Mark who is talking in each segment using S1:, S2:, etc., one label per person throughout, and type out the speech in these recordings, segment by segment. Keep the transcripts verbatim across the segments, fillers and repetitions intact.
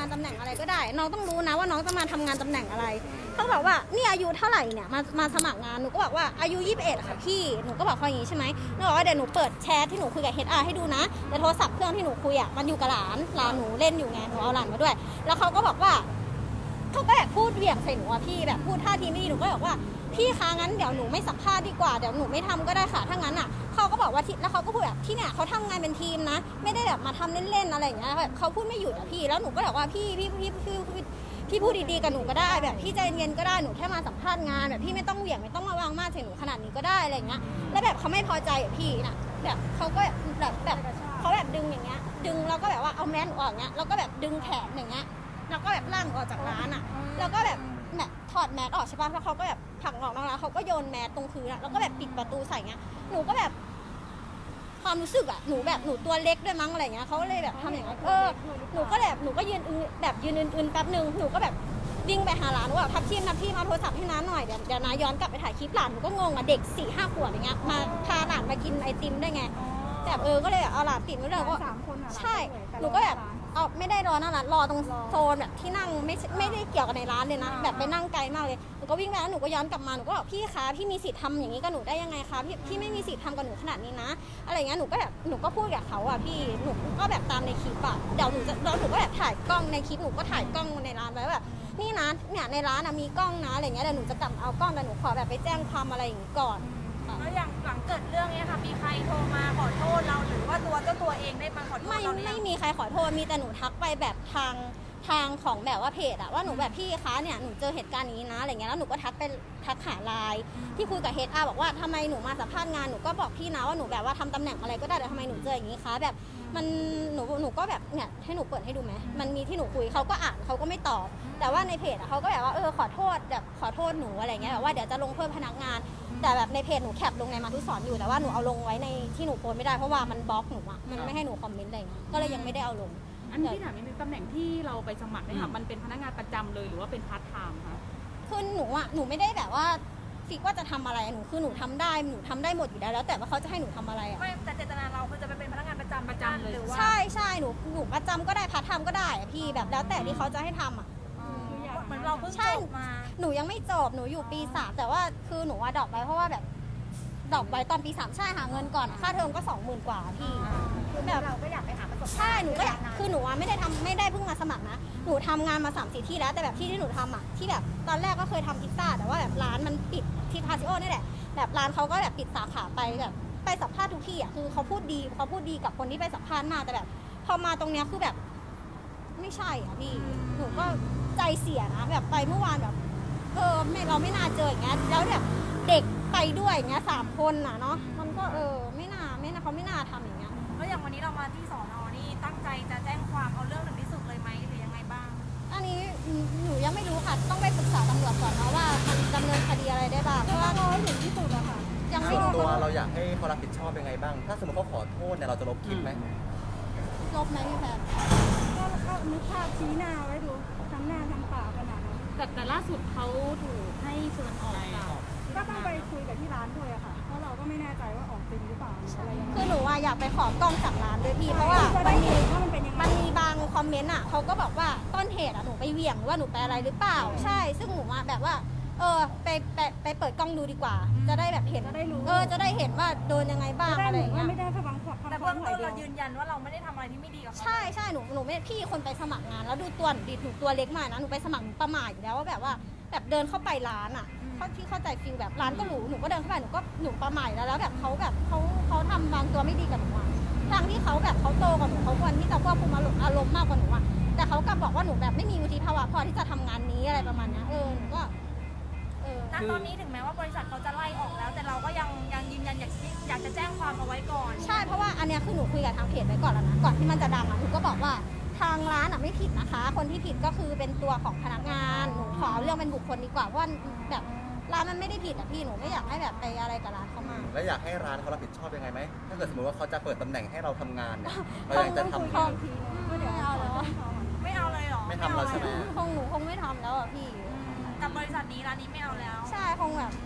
S1: านตำแหน่งอะไรก็ได้น้องต้องรู้นะว่าน้องจะมาทำงานตำแหน่งอะไรเขาบอกว่านี่อายุเท่าไหร่เนี่ยมามาสมัครงานหนูก็บอกว่าอายุยี่สิบเอ็ดค่ะพี่หนูก็บอกเขาอย่างนี้ใช่ไหมหนูบอกว่าเดี๋ยวหนูเปิดแชทที่หนูคุยกับ เอช อาร์ ให้ดูนะแต่โทรศัพท์เครื่องที่หนูคุยอ่ะมันอยู่กับหลานหลานหนูเล่นอยู่ไงหนูเอาหลานมาด้วยแล้วเขาก็บอกว่าเขาก็แบบพูดเหวี่ยงใส่หนูอะพี่แบบพูดท่าทีไม่ดีหนูก็บอกว่าพี่คะงั้นเดี๋ยวหนูไม่สัมภาษณ์ดีกว่าเดี๋ยวหนูไม่ทำก็ได้ค่ะถ้างั้นอ่ะเขาก็บอกว่าที่แล้วเขาก็พูดแบบที่เนี่ยเขาทำงานเป็นทีมนะไม่ได้แบบมาทำเล่นๆอะไรอย่างเงี้ยแบบเขาพูดไม่หยุดอะพี่แล้วหนูก็แบบว่าพี่พี่พี่พี่พี่พี่พูดดีๆกับหนูก็ได้แบบพี่ใจเย็นก็ได้หนูแค่มาสัมภาษณ์งานแบบพี่ไม่ต้องเหวี่ยงไม่ต้องมาวางมาใส่หนูขนาดนี้ก็ได้อะไรอย่างเงี้ยแล้วแบบเขาไม่พอใจอะพี่น่ะแบบเขาก็แบบแบบเขาแบบดึงอย่างเงี้ยดึงแล้วก็แบบว่าเอาแมสออกเงี้ยแล้วก็แบบดึงแขนอย่างเงี้ยแล้วก็แบบลั่งออกจากร้านอะแล้วก็แบบแบบถอดแมสออกใช่ปะแล้วเขาก็แบบผลักออกแล้วเขาก็โยนแมสตรงพื้นอะแล้วก็แบบปิดประตูใส่เงี้ยหนูก็แบบความรู้สึกอะหนูแบบหนูตัวเล็กด้วยมั้งอะไรเงี้ยเขาเลยแบบทำอย่างนั้นเออหนูก็แบบหนูก็ยืนแบบยืนอื่นๆแป๊บนึงหนูก็แบบวิ่งไปหาหลานหนูแบบทับทีมทับทีมเอาโทรศัพท์ให้น้าหน่อยเดี๋ยวเดี๋ยวน้าย้อนกลับไปถ่ายคลิปหลานหนูก็งงอะเด็กสี่ห้าขวบอย่างเงี้ยมาพาหลานมากินไอติมได้ไงแบบเออก็เลยเอาหลานติดไว้เลยก็ใช่หนูก็แบบเอาไม่ได้รอหน้าร้านรอตรงโซนแบบที่นั่งไม่ไม่ได้เกี่ยวกับในร้านเลยนะแบบไปนั่งไกลมากเลยหนูก็วิ่งไปแล้วหนูก็ย้อนกลับมาหนูก็บอกพี่คะพี่มีสิทธิ์ทำอย่างนี้กับหนูได้ยังไงคะพี่พี่ไม่มีสิทธิ์ทำกับหนูขนาดนี้นะอะไรเงี้ยหนูก็แบบหนูก็พูดกับเขาอ่ะพี่หนูก็แบบตามในคลิปอ่ะเดี๋ยวหนูจะแล้วหนูก็แบบถ่ายกล้องในคลิปหนูก็ถ่ายกล้องในร้านไว้แบบนี่นะเนี่ยในร้านนะมีกล้องนะอะไรเงี้ยเดี๋ยวหนูจะกลับเอากล้องแต่หนูขอแบบไปแจ้งความอะไรอย่างนี้ก่อน
S2: แล้วอย่างหลังเกิดเรื่องเนี้ยค่ะมีใครโทรมาขอโทษเราหรือว่าตัวเจ้าตัวเองได้มาขอโทษ
S1: ไม่
S2: เราหรือยัง
S1: ไม่มีใครขอโทษมีแต่หนูทักไปแบบทางทางของแบบว่าเพจอะว่าหนูแบบพี่คะเนี่ยหนูเจอเหตุการณ์นี้นะอะไรเงี้ยแล้วหนูก็ทักไปทักหาไลน์ที่คุยกับเฮดอาร์บอกว่าทำไมหนูมาสัมภาษณ์งานหนูก็บอกพี่นะว่าหนูแบบว่าทำตำแหน่งอะไรก็ได้แต่ทำไมหนูเจออย่างนี้คะแบบมันหนูหนูก็แบบเนี่ยให้หนูเปิดให้ดูไหมมันมีที่หนูคุยเขาก็อ่านเขาก็ไม่ตอบแต่ว่าในเพจอะเขาก็แบบว่าเออขอโทษแบบขอโทษหนูอะไรเงี้ยแบบว่าเดี๋ยวจะลงโทษพนักงานแต่แบบในเพจหนูแคปลงในมาทุกสอนอยู่แต่ว่าหนูเอาลงไว้ในที่หนูโพสไม่ได้เพราะว่ามันบล็อกหนูอะมันไม่ให้หนูคอมเมนต์อะไรเงี้ยก็เลยยังไม่ได้เอาลง
S3: อันนี้ที่ถามนิดนึงตำแหน่งที่เราไปสมัครเนี่ยค่ะมันเป็นพนักงานประจำเลยหรือว่าเป็นพาร์ทไทม์คะ
S1: คือหนูอ่ะหนูไม่ได้แบบว่าฟิกว่าจะทำอะไรหนูคือหนูทำได้หนูทำได้หมดอยู่แล้วแล้วแต่ว่าเขาจะให้หนูทำอะไรอ่ะ
S2: ไม่แต่เจตนาเราคือจะไปเป็นพนักงานประจำ
S3: ประจำเลย
S2: หรือว่า
S1: ใช่ใช่หนูหนูประจำก็ได้พาร์ทไทม์ก็ได้อะพี่แบบแล้วแต่ที่เขาจะให้ทำอ่ะ
S2: เหมือนเราเพิ่งจบมา
S1: หนูยังไม่จบหนูอยู่ปีสามแต่ว่าคือหนูว่าดรอปไปเพราะว่าแบบดรอปไว้ตอนปีสามใช่หาเงินก่อนค่าเทอมก็สองหมื่นกว่าพี่
S2: แบบเราก็อยากไปหาประสบการณ์
S1: ใช่หนูก็อยากคือหนูว่าไม่ได้ทำไม่ได้เพิ่งมาสมัครนะหนูทำงานมาสามสี่ที่แล้วแต่แบบที่ที่หนูทำอ่ะที่แบบตอนแรกก็เคยทำพิซซ่าแต่ว่าแบบร้านมันปิดที่พาซิโอนี่แหละแบบร้านเขาก็แบบปิดสาขาไปแบบไปสัมภาษณ์ทุกที่อ่ะคือเขาพูดดีเขาพูดดีกับคนที่ไปสัมภาษณ์มากแต่แบบพอมาตรงเนี้ยคือแบบไม่ใช่อ่ะพี่หนูก็ใจเสียนะแบบไปเมื่อวานแบบเออไม่เราไม่น่าเจออย่างเงี้ยแล้วแบบเด็กไปด้วยอย่างเงี้ยสามคนน่ะเนาะมันก็เออไม่น่าไม่น่าเขาไม่น่าทำอย่างเงี้ย
S2: แล้วอย่างวันนี้เรามาที่สอนอนี่ตั้งใจจะแจ้งความเอาเรื่องถึงที่สุดเลยไหมหรือยังไงบ้าง
S1: อันนี้หนูยังไม่รู้ค่ะต้องไปปรึกษาตำรวจก่อนเนาะว่ามันดำเนินคดีอะไรได้บ้างเพราะว่ารอถึงที่สุดอะค่ะยังไม่
S4: ส่วน
S1: รู้
S4: ตัวเราอยากให้เขารับผิดชอบยังไงบ้าง ถ้าสมมติเขาขอโทษเนี่ยเราจะลบคลิปไหม
S1: ลบไหมพี่แพท
S5: ก็ก็นึกภาพชี้หน้าไว้ดูทั้งหน้าทั้งปากขนาดนั้น
S3: แต่แต่ล่าสุดเขาถูกให้เชิญออกจาก
S5: ก็ต้องไปคุยกับที่ร้านด้วยอะค่ะเพราะเราก็ไม่แน่ใจว่าออกจริงหรือเปล่าอะไรยังไง
S1: คือหนูอะอยากไปขอกล้องจากร้านด้วยพี่เพราะว่ามันมีมันมีบางคอมเมนต์อะเขาก็บอกว่าต้นเหตุอะหนูไปเหวี่ยงหรือว่าหนูไปอะไรหรือเปล่าใช่ซึ่งหนูอะแบบว่าเออไปไปไปเปิดกล้องดูดีกว่า จะได้แบบเห็นเออจะได้เห็นว่าโดนยังไงบ้างอะไรอย่างเงี้ย
S5: ไม่ได้ระวังความ
S2: แต่เบื้องต้นเรายืนยันว่าเราไม่ได้ทำอะไรที่ไม่ดีกับเขา
S1: ใช่ใช่หนูหนูไม่พี่คนไปสมัครงานแล้วดูตัวหนูดิหนูตัวเล็กมากนะหนูไปสมัครหนูประมาทอยู่แล้วว่าแบบว่าแบบเดินเข้าไปร้านอ่ะเขาที่เข้าใจฟิลแบบร้านก็หรูหนูก็เดินเข้าไปหนูก็หนูประมาทแล้วแล้วแบบเขาแบบเขาเขาทำบางตัวไม่ดีกับหนูอ่ะทางที่เขาแบบเขาโตกว่าหนูเขาควรที่จะควบคุมอารมณ์มากกว่าหนูอ่ะแต่เขากลับบอกว่าหนูแบบไม่มีวุฒิภาวะพอที่จะทำงานนี้อะไรประมาณนี้เออหนูก็
S2: เออณตอนนี้ถึงแม้ว่าบริษัทเขาจะไล่ออกแล้วแต่เราก็ยังยังยืนยันอยากอยากจะแจ้งความเอาไว้ก่อน
S1: ใช่เพราะว่าอันเนี้ยคือหนูคุยกับทางเพจไว้ก่อนแล้วนะก่อนที่มันจะดังอ่ะหนูก็บอกว่าทางร้านอ่ะไม่ผิดนะคะคนที่ผิดก็คือเป็นตัวของพนักงานหนูขอเรื่องเป็นบุคคลดีกว่าเพราะว่าแบบร้านมันไม่ได้ผิดอ่ะพี่หนูไม่อยากให้แบบไปอะไรกับร้านเขามา
S4: แล้วอยากให้ร้านเขารับผิดชอบยังไงไหมถ้าเกิดสมมติว่าเขาจะเปิดตำแหน่งให้เราทำงานเนี่ยเรายังจะทำอยู่
S1: ไม่เอาแล้ว
S2: ไม่เอาเลยหรอ
S4: ไม่ทำเราใช่ไหม
S1: คงหนูคงไม่ทำแล้วอ่ะพี่
S2: กับบริษัทนี้ร้านนี้ไม่เอาแล้ว
S1: ใช่คงแบบ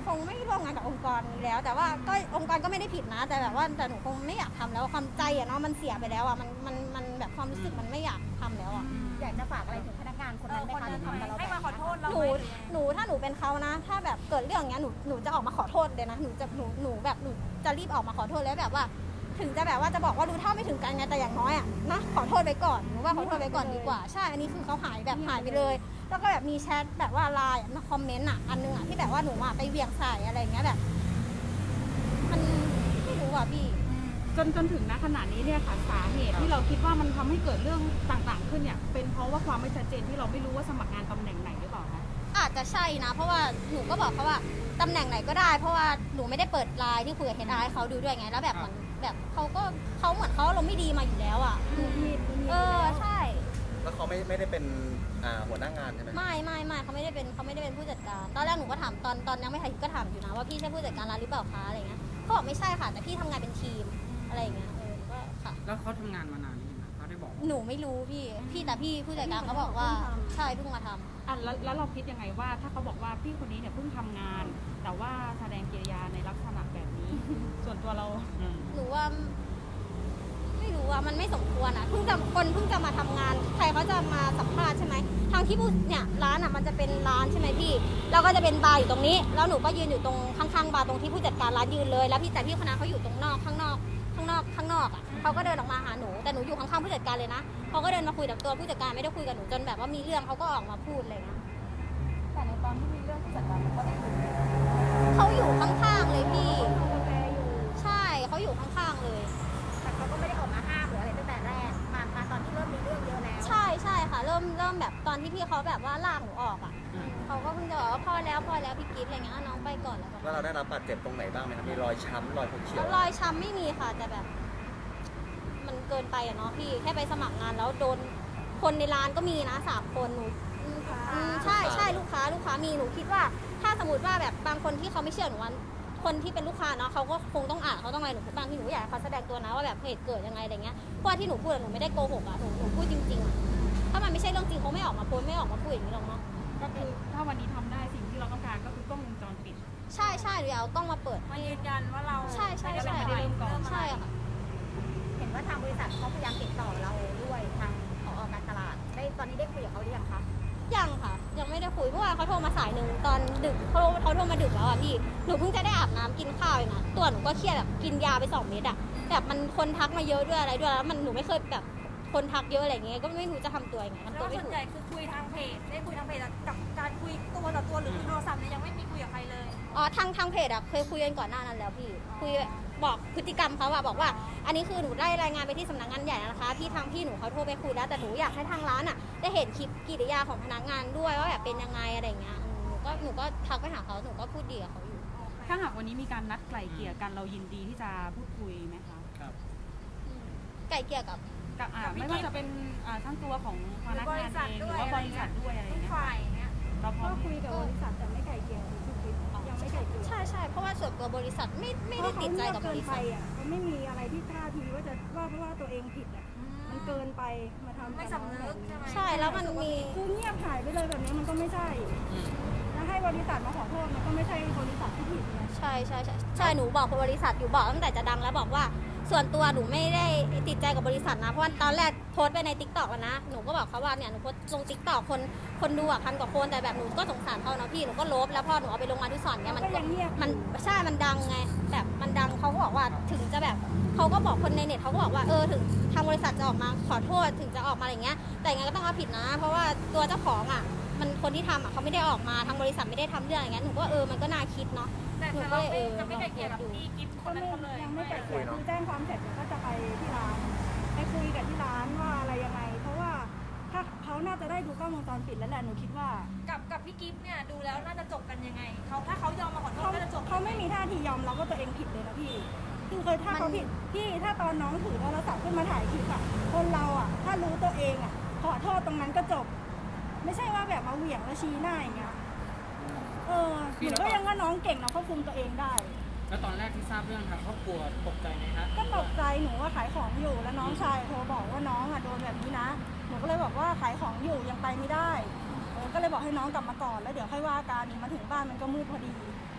S1: คงไม่ร่วมงานกับองค์กรนี้แล้ว แต่ว่าก็องค์กรก็ไม่ได้ผิดนะ แต่แบบว่าแต่หนูคงไม่อยากทำแล้วความใจอะเนาะมันเสียไปแล้วอะมันมันมันแบบความรู้สึกมันไม่อยากทำแล้วอะ
S6: อยากจะฝากอะไรถึงพนักงานคน
S2: เอ
S6: นั้
S2: อน
S6: ไหม
S2: คน
S6: คะ
S2: นั้น
S6: ที่ทำกับเรา
S2: ให้
S6: แบ
S2: มา
S6: บ
S2: ขอโทษเรา
S1: ห
S2: ไห
S1: นู
S2: ม
S1: หนูถ้าหนูเป็นเขานะ ถ้าแบบเกิดเรื่องอย่างเงี้ยหนูหนูจะออกมาขอโทษเลยนะหนูจะหนูหนูแบบหนูจะรีบออกมาขอโทษแล้วแบบว่า ถึงจะแบบว่าจะบอกว่ารู้เท่าไม่ถึงกันไงแต่อย่างน้อยอะนะขอโทษไปก่อนหนูว่าขอโทษไปก่อนดีกว่าใช่อันนี้คือเขาหายแบบหายไปเลย แล้วก็แบบมีแชทแบบว่าไลน์มาคอมเมนต์อ่ะอันนึงอ่ะที่แบบว่าหนูอ่ะไปเวียงใส่อะไรอย่างเงี้ยแบบ มันไม่รู้อ่ะพี่
S3: จนจนถึงณขณะนี้เนี่ยค่ะสาเหตุที่เราคิดว่ามันทำให้เกิดเรื่องต่างๆขึ้นเนี่ยเป็นเพราะว่าความไม่ชัดเจนที่เราไม่รู้ว่าสมัครงานตำแหน่งไหนหรือเปล่าคะ
S1: อาจจะใช่นะ เพราะว่าหนูก็บอกเขาว่าตำแหน่งไหนก็ได้ เพราะว่าหนูไม่ได้เปิดไลน์ที่คุยกับเฮดไอให้เขาดูด้วยไงแล้วแบบเหมือนแบบเขาก็เขาเหมือนเขาลมณ์ไม่ดีมาอยู่แล้วอ่ะ
S5: มีดมีด
S1: เออใช่
S4: แล้วเขาไม่ไม่ได้เป็นอ่าหัวหน้างานใช่ไหม
S1: ไม่ไม่ไม่เขาไม่ได้เป็นเขาไม่ได้เป็นผู้จัดการ ตอนแรกหนูก็ถามตอนตอนยังไม่ทันก็ถามอยู่นะว่าพี่ใช่ผู้จัดการร้านหรือเปล่าคะอะไรเงี้ยเขาบอกไม่ใช่ค่ะแต่พี่ทำงานเป็นทีมอะไรอย่างเงี้ยเออก็ค่ะ
S7: แล้วเขาทำงานมานานนี่ไหมเขาได้บอก
S1: หนูไม่รู้พี่ พี่แต่พี่ผู้จัดการเขาบอกว่าใช่เพิ่งมาทำ
S3: อ่ะแล้วแล้วเราคิดยังไงว่าถ้าเขาบอกว่าพี่คนนี้เนี่ยเพิ่งทำงาน แต่ว่าแสดงกิริยาในลักษณะแบบนี้ ส่วนตัวเรา
S1: หนูว่าไม่รู้ว่ามันไม่สมควรอ่ะเพิ่งจะคนเพิ่งจะมาทำงาน ใครเขาจะมาสัมภาษณ์ใช่ไหมทางที่ผู้เนี่ยร้านอ่ะมันจะเป็นร้านใช่ไหมพี่แล้วก็จะเป็นบาร์อยู่ตรงนี้ แล้วหนูก็ยืนอยู่ตรงข้างๆบาร์ตรงที่ผู้จัดการร้านยืนเลยแล้วพี่แต่พี่คนนั้นเขาอยู่ตรงนอกข้างนอกข้างนอกข้างนอกอ่ะเขาก็เดินออกมาหาหนูแต่หนูอยู่ข้างๆผู้จัดการเลยนะเขาก็เดินมาคุยกับตัวผู้จัดการไม่ได้คุยกับหนูจนแบบว่ามีเรื่องเขาก็ออกมาพูดอะไรเงี้ย
S6: แต่ในตอนที่มีเรื่องผู้จัดการเขาก็ได้คุยกัน
S1: เขาอยู่ข้างๆเลยพี่
S5: กาแฟอยู่
S1: ใช่เขาอยู่ข้างๆเลย
S6: แต่เขาก็ไม่ได้ออกมาห้ามหรืออะไรตั้งแต่แรกมามาตอนที่เริ่มมีเรื่องเยอะแล้ว
S1: ใช่ใช่ค่ะ เริ่มเริ่มแบบตอนที่พี่เขาแบบว่าลากหนูออกอ่ะเขาก็เพิ่งจะบอกว่าพอแล้วพอแล้วพี่กิ๊ฟอะไรเงี้ยอ่ะน้องไปก่อนแล้ว
S4: แล้วเราได้รับบาดเจ็บตรงไหนบ้างไหมครับมีรอยช้ำรอยฟกเขียว
S1: แล้วรอยช้ำไม่มีค่ะแต่แบบ มันเกินไปอะเนาะพี่แค่ไปสมัครงานแล้วโดนคนในร้านก็มีนะสามคนหนูอืมอืมใช่ใช่ลูกค้าลูกค้ามีหนูคิดว่า ถ้าสมมติว่าแบบบางคนที่เขาไม่เชื่อหนูว่าคนที่เป็นลูกค้าเนาะเขาก็คงต้องอ่านเขาต้องอะไรหนูบางทีหนูอยากให้เขาแสดงตัวนะว่าแบบเหตุเกิดยังไงอะไรเงี้ยเพราะว่าที่หนูพูดอะหนูไม่ได้โกหกอะหนูหนูพูดจริงๆอะถ้ามันไม่ใช่เรื่องจริงเขาไม่ออกมาโพสต์ไม่ออกมาพูดอย่างนี้หรอกเนาะ
S3: ก็คือถ้าวันนี้ทำได้สิ่งที่เราต้องการก็คือกล้องวงจรปิด
S1: ใช่ใช่หนูอยากเอากล้องมาเปิด
S2: มายืนยันว่าเรา
S1: ใช่ใช่ใช่
S3: ไม่ได้เริ่มก่อน
S1: ใช่ค่ะ
S6: เห็นว่าทางบริษัทเขาพยายามติดต่อเราด้วยทางผอการตลาดได้ตอนนี้ได้คุยกับเขาหรือยังคะ
S1: ยังค่ะ ยังไม่ได้คุยเพราะว่าเขาโทรมาสายหนึ่งตอนดึกเขาเขาโทรมาดึกแล้วอ่ะพี่หนูเพิ่งจะได้อาบน้ำกินข้าวเองนะตัวหนูก็เครียดแบบกินยาไปสองเม็ดอ่ะแบบมันคนทักมาเยอะด้วยอะไรด้วยแล้วมันหนูไม่เคยแบบคนทักเยอะอะไรอย่างเงี้ยก็ไม่รู้จะทำตัวยังไง
S2: แล้ว
S1: ทำตัวไม่
S2: ส่วน
S1: ถูก
S2: ใหญ่คือคุยทางเพจได้คุยทางเพจกับการคุยตัวต่อตัวหรือคุยโทรศัพท์เนี่ยยังไม่มีคุยกับใครเลย
S1: อ๋อทางทางเพจอ่ะเคยคุยกันก่อนหน้านั้นแล้วพี่คุยบอกพฤติกรรมเขาอะบอกว่า อันนี้คือหนูได้รายงานไปที่สำนักงานใหญ่นะคะพี่ทางพี่หนูเขาโทรไปคุยแล้วแต่หนูอยากให้ทางร้านอะได้เห็นคลิปกิริยาของพนักงานด้วยว่าแบบเป็นยังไงอะไรอย่างเงี้ยอืมหนูก็หนูก็ทักไปหาเขาหนูก็พูดดีกับเขาอยู่
S3: ถ้าหากวันนี้มีการนัดไกล่เกลี่ยกันเรายินดีที่จะพูดคุยไหมคะ
S1: อืมไก่เกลี่ยกับ
S3: กับอ่า
S2: กับพี่
S3: ไม่ว่าจะเป็นอ่าทั้งตัวของพนักงานเองหรือว่าบริษัทด้วยอะไรอ
S2: ทุ
S3: ย่าง
S2: ก
S3: เงี้ย
S2: ฝ่ายอย่างเงี้ย
S3: เราพร้อ
S5: ก็
S3: ม
S5: คุยกับบริษัทแต่ไม่ไก่เกลี่ยคือคิดยังไม่ไก่เกลี่ย
S1: ใช่ใช่เพราะว่าส่วนตัวบริษัทไม่ไม่ได้ติดใจกับบริษัท
S5: เกินไปอ่ะเขาไม่มีอะไรที่ท่าทีว่าจะว่าเพราะว่าตัวเองผิดอ่ะมันเกินไปมาทำ
S2: ไม่สำนึกใช่ไหม
S1: ใช่แล้วมันมี
S5: คือเงียบหายไปเลยแบบนี้มันก็ไม่ใช่แล้วให้บริษัทมาขอโทษมันก็ไม่ใช่บริษัทที่ผิดไง
S1: ใช่ใช่ใช่ใช่หนูบอกบริษัทอยู่บอกตั้งแต่จะดังแล้วบอกว่า ส่วนตัวหนูไม่ได้ติดใจกับบริษัทนะเพราะว่าตอนแรกโพสต์ไปในติ๊กต็อกนะหนูก็บอกเขาว่าเนี่ยหนูโพสต์ลงติ๊กต็อกคนคนดูอ่ะพันกว่าคนแต่แบบหนูก็สงสารเขาเนาะพี่หนูก็ลบแล้วพอหนูเอาไปลงมาทุกสอนเนี่ยมัน
S5: ก็ยังเงียบ
S1: มันใช่มันดังไงแบบมันดังเขาก็บอกว่าถึงจะแบบเขาก็บอกคนในเน็ตเขาก็บอกว่าเออถึงทางบริษัทจะออกมาขอโทษถึงจะออกมาอะไรเงี้ยแต่ยังไงก็ต้องเอาผิดนะ เพราะว่าตัวเจ้าของอ่ะมันคนที่ทำอ่ะเขาไม่ได้ออกมาทางบริษัทไม่ได้ทำเรื่องอย่างเงี้ยหนูก็เออมันก็น่าคิดเนาะ
S2: แต่แต่เราไม่จะไม่ไกลเกลี่ยกับพี่กิฟต์ค
S5: ก็
S2: นนั้น
S5: ไม่
S2: เขาเลย
S5: ยังไม่ไก่เกลี่ยคือแจ้งความเสร็จเดี๋ยวก็จะไปที่ร้านไปคุยกับที่ร้านว่าอะไรยังไง เพราะว่าถ้าเขาน่าจะได้ดูกล้องวงจรปิดแล้วแหละหนูคิดว่า
S2: กับกับพี่กิฟต์เนี่ยดูแล้วน่าจะจบกันยังไงเขาถ้าเขายอมมาขอโทษ
S5: เขา
S2: ก็จะจบ
S5: เขาไม่มีท่าทียอมรับว่าตัวเองผิดเลยนะพี่คือเคยถ้าเขาผิดพี่ถ้าตอนน้องถือโทรศัพท์ขึ้นมาถ่ายคลิปอะคนเราอะถ้ารู้ตัวเองอะขอโทษตรงนั้นก็จบ ไม่ใช่ว่าแบบมาเหวี่ยงแล้วชี้หน้าอย่างเงี้ยเออหนูก็ยังว่าน้องเก่งนะควบคุมตัวเองได้
S7: แล้วตอนแรกที่ทราบเรื่องทางครอบครัวตกใจไหมคะ
S5: ก็ตกใจหนูว่าขายของอยู่แล้วน้องชายโทรบอกว่าน้องอะโดนแบบนี้นะหนูก็เลยบอกว่าขายของอยู่ยังไปไม่ได้เออก็เลยบอกให้น้องกลับมาก่อนแล้วเดี๋ยวค่อยว่ากันมาถึงบ้านมันก็มืดพอดี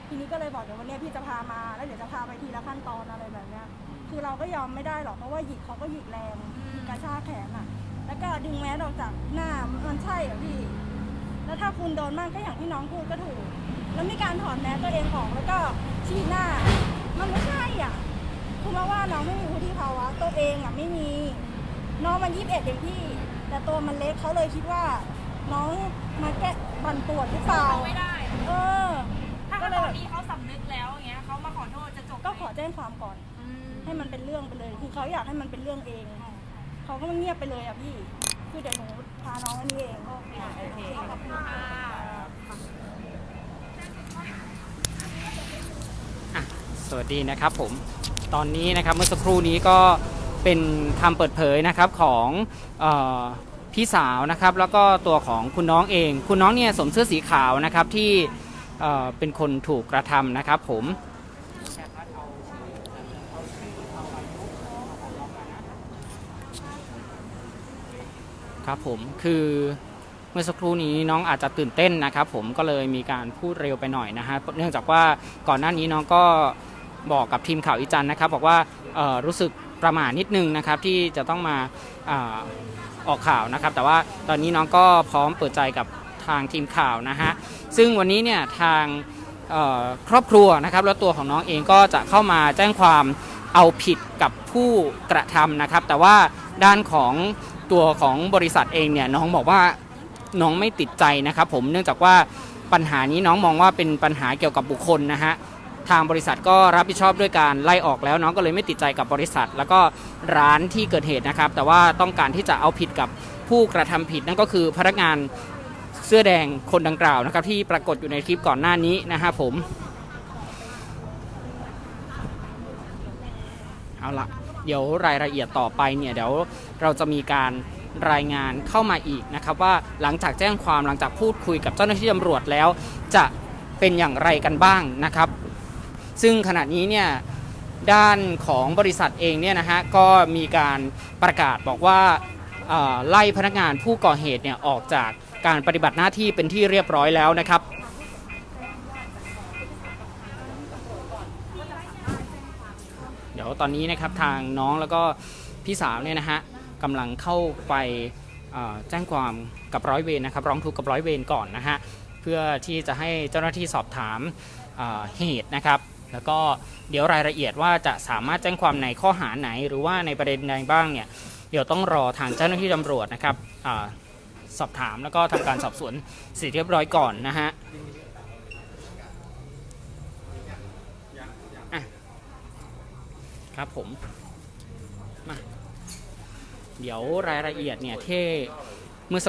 S5: ทีนี้ก็เลยบอกเดี๋ยววันนี้พี่จะพามาแล้วเดี๋ยวจะพาไปทีละขั้นตอนอะไรแบบเนี้ยคือเราก็ยอมไม่ได้หรอกเพราะว่าหยิกเขาก็หยิกแรงกระชากแขนอ่ะแล้วก็ดึงแมสออกจากหน้ามันใช่เหรอพี่แล้วถ้าคุณโดนมากก็อย่างที่น้องพูดก็ถูกแล้วมีการถอดแมสตัวเองออกแล้วก็ชี้หน้ามันไม่ใช่อ่ะคุณมาว่าน้องไม่มีวุฒิภาวะตัวเองอ่ะไม่มีน้องมันยี่สิบเอ็ดเองพี่แต่ตัวมันเล็กเขาเลยคิดว่าน้องมาแก้บันปวดหรือเปล่า
S2: ไม่ได้
S5: เออ
S2: ถ้า
S5: ก็
S2: ต
S5: เล
S2: อย นนี้เขาสำนึกแล้วอย่างเงี้ยเขามาขอโทษจะจบ
S5: ก็ขอแจ้งความก่อน
S2: อืม
S5: ให้มันเป็นเรื่องไปเลย คือเขาอยากให้มันเป็นเรื่องเอง เขาก็มาเงียบไปเลยอ่ะพี่ คือเดี๋ยวหนูพาน้องอันนี้เองโอเคโอเคขอบคุณค่ะ
S7: อ่ะสวัสดีนะครับผมตอนนี้นะครับเมื่อสักครู่นี้ก็เป็นคำเปิดเผยนะครับของเออพี่สาวนะครับแล้วก็ตัวของคุณน้องเอง คุณน้องเนี่ยสวมเสื้อสีขาวนะครับที่เอ่อเป็นคนถูกกระทำนะครับผมครับผมคือเมื่อสักครู่นี้น้องอาจจะตื่นเต้นนะครับผมก็เลยมีการพูดเร็วไปหน่อยนะฮะเนื่องจากว่าก่อนหน้านี้น้องก็บอกกับทีมข่าวอีจันนะครับบอกว่าเอ่อรู้สึกประหม่านิดนึงนะครับที่จะต้องมาอ่าออกข่าวนะครับแต่ว่าตอนนี้น้องก็พร้อมเปิดใจกับทางทีมข่าวนะฮะซึ่งวันนี้เนี่ยทางเอ่อครอบครัวนะครับแล้วตัวของน้องเองก็จะเข้ามาแจ้งความเอาผิดกับผู้กระทำนะครับแต่ว่าด้านของตัวของบริษัทเองเนี่ยน้องบอกว่าน้องไม่ติดใจนะครับผมเนื่องจากว่าปัญหานี้น้องมองว่าเป็นปัญหาเกี่ยวกับบุคคลนะฮะทางบริษัทก็รับผิดชอบด้วยการไล่ออกแล้วน้องก็เลยไม่ติดใจกับบริษัทแล้วก็ร้านที่เกิดเหตุนะครับแต่ว่าต้องการที่จะเอาผิดกับผู้กระทำผิดนั่นก็คือพนักงานเสื้อแดงคนดังกล่าวนะครับที่ปรากฏอยู่ในคลิปก่อนหน้านี้นะฮะผมเอาละเดี๋ยวรายละเอียดต่อไปเนี่ยเดี๋ยวเราจะมีการรายงานเข้ามาอีกนะครับว่าหลังจากแจ้งความหลังจากพูดคุยกับเจ้าหน้าที่ตำรวจแล้วจะเป็นอย่างไรกันบ้างนะครับซึ่งขณะนี้เนี่ยด้านของบริษัทเองเนี่ยนะฮะก็มีการประกาศบอกว่าไล่พนักงานผู้ก่อเหตุเนี่ยออกจากการปฏิบัติหน้าที่เป็นที่เรียบร้อยแล้วนะครับเดี๋ยวตอนนี้นะครับทางน้องแล้วก็พี่สาวเนี่ยนะฮะกำลังเข้าไปแจ้งความกับร้อยเวรนะครับร้องทุกข์กับร้อยเวรก่อนนะฮะเพื่อที่จะให้เจ้าหน้าที่สอบถามเหตุนะครับแล้วก็เดี๋ยวรายละเอียดว่าจะสามารถแจ้งความในข้อหาไหนหรือว่าในประเด็นใดบ้างเนี่ยเดี๋ยวต้องรอทางเจ้าหน้าที่ตำรวจนะครับอสอบถามแล้วก็ทำการสอบสวนเสร็จเรียบร้อยก่อนนะฮะครับผมมาเดี๋ยวรายละเอียดเนี่ยที่